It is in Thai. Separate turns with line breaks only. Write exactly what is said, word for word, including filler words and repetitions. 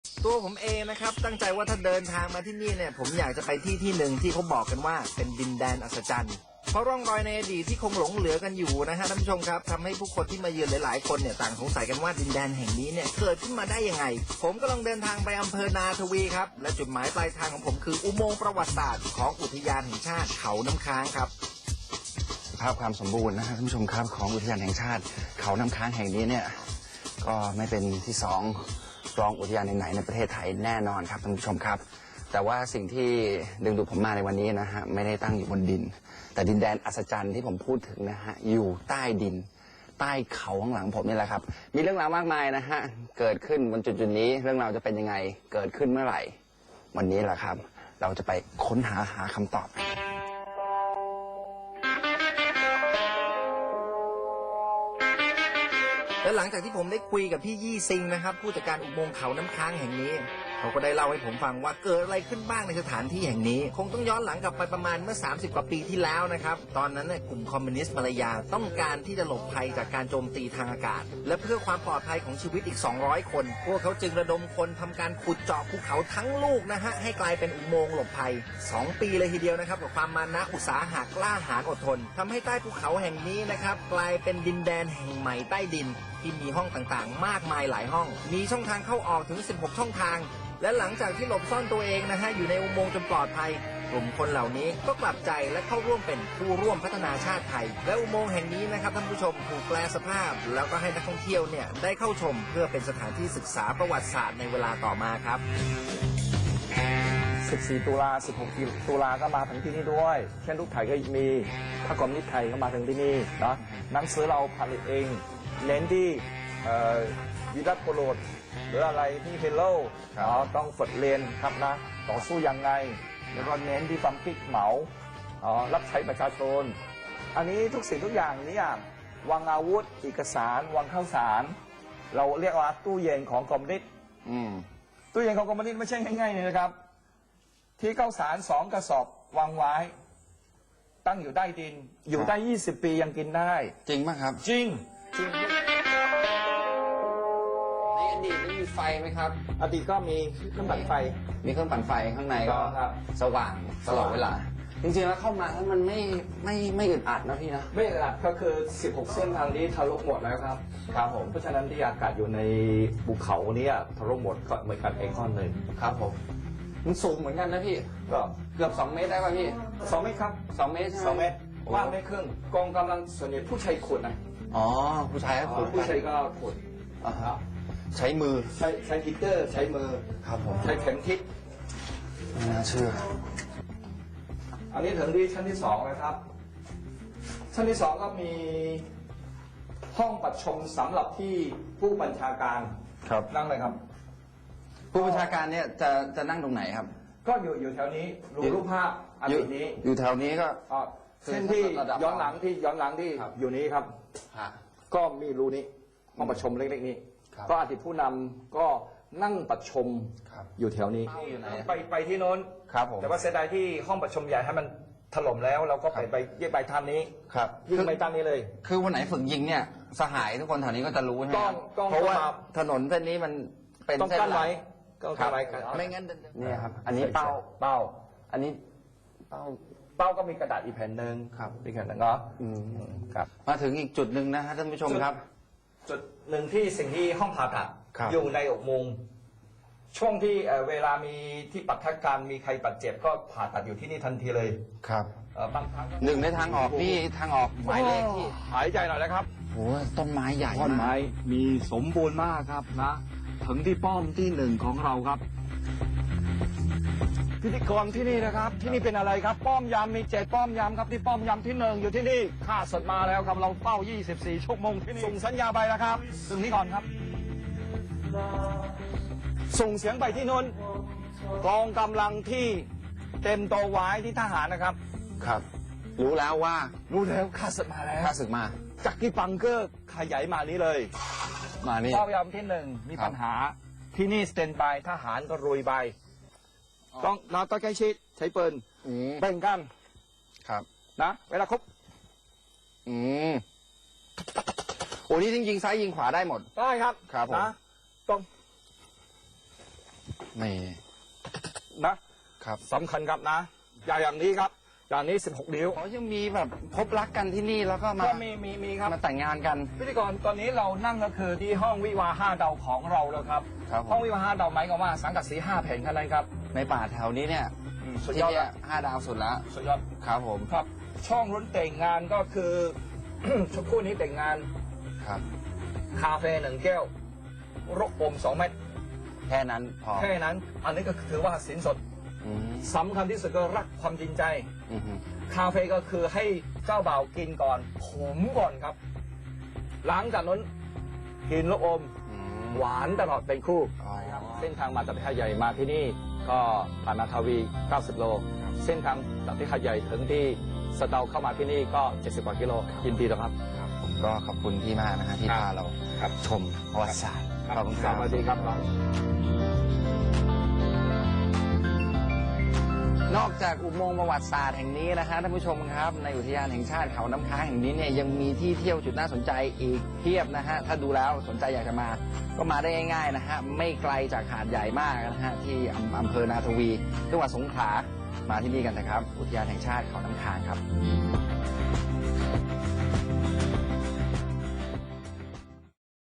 ตัวผมเองนะครับตั้งใจว่าถ้าเดินทางมาที่นี่เนี่ยผมอยากจะไปที่ที่หนึ่งที่เขาบอกกันว่าเป็นดินแดนอัศจรรย์เพราะร่องรอยในอดีตที่คงหลงเหลือกันอยู่นะฮะท่านผู้ชมครับทำให้ผู้คนที่มาเยือนหลายๆคนเนี่ยต่างสงสัยกันว่าดินแดนแห่งนี้เนี่ยเกิดขึ้นมาได้ยังไงผมก็ลองเดินทางไปอำเภอนาทวีครับและจุดหมายปลายทางของผมคืออุโมงค์ประวัติศาสตร์ของอุทยานแห่งชาติเขาน้ำค้างครับ
ภาพความสมบูรณ์นะฮะท่านผู้ชมครับของอุทยานแห่งชาติเขาน้ำค้างแห่งนี้เนี่ยก็ไม่เป็นที่สองรองอุทยานไหนๆในประเทศไทยแน่นอนครับท่านผู้ชมครับแต่ว่าสิ่งที่ดึงดูดผมมาในวันนี้นะฮะไม่ได้ตั้งอยู่บนดินแต่ดินแดนอัศจรรย์ที่ผมพูดถึงนะฮะอยู่ใต้ดินใต้เขาข้างหลังผมนี่แหละครับมีเรื่องราวมากมายนะฮะเกิดขึ้นบนจุดจุดนี้เรื่องราวจะเป็นยังไงเกิดขึ้นเมื่อไหร่วันนี้แหละครับเราจะไปค้นหาหาคำตอบ
และหลังจากที่ผมได้คุยกับพี่ยี่ซิงนะครับผู้จัดการอุโมงค์เขาน้ำค้างแห่งนี้เขาก็ได้เล่าให้ผมฟังว่าเกิดอะไรขึ้นบ้างในสถานที่แห่งนี้คงต้องย้อนหลังกลับไปประมาณเมื่อสามสิบกว่าปีที่แล้วนะครับตอนนั้นเนี่ยกลุ่มคอมมิวนิสต์มาลายาต้องการที่จะหลบภัยจากการโจมตีทางอากาศและเพื่อความปลอดภัยของชีวิตอีกสองร้อยคนพวกเขาจึงระดมคนทำการขุดเจาะภูเขาทั้งลูกนะฮะให้กลายเป็นอุโมงค์หลบภัยสองปีเลยทีเดียวนะครับกับความมานะอุตสาหะกล้าหาญอดทนทำให้ใต้ภูเขาแห่งนี้นะครับกลายเป็นดินแดนแห่งใหม่ใต้ดินที่มีห้องต่างๆมากมายหลายห้องมีช่องทางเข้าออกถึงสิบหกช่องทางและหลังจากที่หลบซ่อนตัวเองนะฮะอยู่ในอุโมงค์จนปลอดภัยกลุ่มคนเหล่านี้ก็กลับใจและเข้าร่วมเป็นผู้ร่วมพัฒนาชาติไทยและอุโมงค์แห่งนี้นะครับท่านผู้ชมถูกแปลสภาพแล้วก็ให้นักท่องเที่ยวเนี่ยได้เข้าชมเพื่อเป็นสถานที่ศึกษาประวัติศาสตร์ในเวลาต่อมาครับ
สิบสี่ตุลาสิบหกตุลาก็มาถึงที่นี่ด้วยเช่นลูกไทยก็มีพระกรมนิษฐ์ไทยก็มาถึงที่นี่นะหนังสือเราผลิตเองเน้นที่วิรัตโปรดหรืออะไรที่เฮลโลต้องฝึกเรียนครับนะต่อสู้ยังไงแล้วก็เน้นที่ความคิดเหมารับใช้ประชาชนอันนี้ทุกสิ่งทุกอย่างนี้วางอาวุธเอกสารวางข้าวสารเราเรียกว่าตู้เย็นของคอมมิวนิสต์ตู้เย็นของคอมมิวนิสต์ไม่ใช่ง่ายๆเลยนะครับที่ข้าวสารสองกระสอบวางไว้ตั้งอยู่ใต้ดินอยู่ได้ยี่สิบปียังกินได้
จริงไหมครับ
จริงจริง
ในอดีตไม่มีไฟไหมครับ
อดีตก็มีเครื่องปั่นไฟ
มีเครื่องปั่นไฟข้างในก็สว่างตลอดเวลาจริงๆแล้วเข้ามาแล้วมันไม่ไม่ไม่อึดอัดนะพี่นะ
ไม่อึดอัดก็คือสิบหกเส้นทางนี้ทะลุหมดแล้วครับครับผมเพราะฉะนั้นที่อากาศอยู่ในภูเขานี้ทะลุหมดก็เหมือนกันเองข้อหนึ่ง
ครับผมมันสูงเหมือนกันนะพี่
ก็
เกือบสองเมตรได้ป่ะพี่
สองเมตรครับ
สองเมตรใช่ไหม
สองเมตรว่างไม่ครึ่งกองกำลังส่วนใหญ่ผู้ชายขุดนะ
อ๋อผู้ชายก็ขุด
ผู้ชายก็ขุด
อ่าฮะใช้มือ
ใช้ใช้ฮิตเตอร์ใช้มือ
ครับผม
ใช้เข็มทิศ
ไม่น่าเชื่อ
อันนี้ถึงที่ชั้นที่สองนะครับชั้นที่สองก็มีห้องประชุมสำหรับที่ผู้บัญชาการ
ครับ
นั่งเลยครับ
ผู้บัญชาการเนี่ยจะจะนั่งตรงไหนครับ
ก็อยู่อยู่แถวนี้รูรูปภาพอันนี้
อยู่แถวนี้ก็
เส้นที่ย้อนหลังที่ย้อนหลังที่อยู่นี้ครับก็มีรูนี้ห้องประชุมเล็กๆนี้ก็อดีตผู้นำก็นั่งประชุมอยู่แถวนี้ไปไปที่โน้นแต่ว่าเสียดายที่ห้องประชุมใหญ่ให้มันถล่มแล้วเราก็ไปไปยื่นใบทานนี้ยื่นใบทานนี้เลย
คือวันไหนฝึกยิงเนี่ยสหายทุกคนแถวนี้ก็จะรู้ใช่ไหม
เพราะว่า
ถนนเส้นนี้มันเป็น
เส้นหลักต้อง
กั้
นไว้
ไม่งั้นนี่ครับอันนี้เป้า
เป้า
อันนี้เป้า
เป้าก็มีกระดาษอีกแผ่นหนึ่ง
ครับ
อีกแผ่นหนึ่งเนาะ
ครับมาถึงอีกจุดหนึ่งนะฮะท่านผู้ชมครับ
จุดหนึ่งที่สิ่งที่ห้องผ่าตัดอยู่ในอุโมงค์ช่วงที่เวลามีที่ปัทการมีใครบาดเจ็บก็ผ่าตัดอยู่ที่นี่ทันทีเลย
ครับ
บางครั้ง
หนึ่งในทางออกนี่ทางออกหมายเลขที่
หายใจหน่อยนะครับ
โอ้ต้นไม้ใหญ่
ต้นไม้มีสมบูรณ์มากครับนะถึงที่ป้อมที่หนึ่งของเราครับพิธีกรที่นี่นะครับที่นี่เป็นอะไรครับป้อมยามมีเจ็ดป้อมยามครับที่ป้อมยามที่หนึ่งอยู่ที่นี่ข้าศึกมาแล้วครับเราเฝ้ายี่สิบสี่ชั่วโมงที่นี่ส่งสัญญาไปแล้วครับถึงนี้ก่อนครับส่งเสียงไปที่นู้นกองกำลังที่เต็มตัวไว้ที่ทหารนะครับ
ครับรู้แล้วว่า
รู้แล้วข้าศึกมาแล้ว
ข้าศึกมา
จากที่บังเกอร์ขยายมานี้เลย
มานี่
เป้ายามที่หนึ่งมีปัญหาที่นี่สแตนบายทหารก็รุยไปต้องเราต้องใกล้ชิดใช้ปืนแบ่งกัน
ครับ
นะเวลาครบ
อืมโอ้นี่จริงๆซ้ายยิงขวาได้หมด
ได้ครับ
ครับผม
นะต้อง
ไม่
นะครับ สำคัญครับนะ อย่างอย่างนี้ครับ อย่างนี้ สิบหก นิ้ว
เขายังมีแบบพบรักกันที่นี่แล้วก็มา
ก็มีมีมีครับ
มาแต่งงานกัน
พิธีกรตอนนี้เรานั่งก็คือที่ห้องวิวาห์ห้าดาวของเราแล้วครับ
ครับผ
ห้อง
ม
วิวาห์ห้าดาวหมายความว่าสังกัดสีห้าแผ่นเท่านั้นครับ
ในป่าแถวนี้เนี่ย
อืมสุด
ที่
ยอด
เนี่
แล้
ยว ห้าดาวสุดแล้ว
สุดยอด
ครับผม
ครับ ช่องรุ้นแต่งงานก็คือ ชุดคู่นี้แต่งงาน
ครับ
คาเฟ่หนึ่งแก้วรกอมสองเม็ด
แค่นั้นพอ
แค่นั้น อันนี้ก็ถือว่าสินสด
อืม
สำคัญที่สุดก็รักความจริงใจ
อืม
คาเฟ่ก็คือให้เจ้าบ่าวกินก่อนขมก่อนครับ หลังจากนั้นกินลูกอม
อืม
หวานตลอดเป็นคู่
อ๋อ
เส้นทางมาจากที่หาดใหญ่มาที่นี่ก็ผ่านนาทาวี เก้าสิบ โล เส้นทางจากที่หาดใหญ่ถึงที่สะเดาเข้ามาที่นี่ก็ เจ็ดสิบ กว่ากิโลยินดีแล้วครับ
ครับผมก็ขอบคุณพี่มากนะฮะที่
ครับ
พาเรา
ครับ
ชมประวัติศาสตร์ขอบคุณค
ส
รับ
วัสดีครับน้อง
นอกจากอุโมงค์ประวัติศาสตร์แห่งนี้นะฮะท่านผู้ชมครับในอุทยานแห่งชาติเขาน้ำค้างแห่งนี้เนี่ยยังมีที่เที่ยวจุดน่าสนใจอีกเพียบนะฮะถ้าดูแล้วสนใจอยากจะมาก็มาได้ง่ายๆนะฮะไม่ไกลจากหาดใหญ่มากนะฮะที่อำอำเภอนาทวีจังหวัดสงขลามาที่นี่กันนะครับ อุทยานแห่งชาติเขาน้ำค้างครับ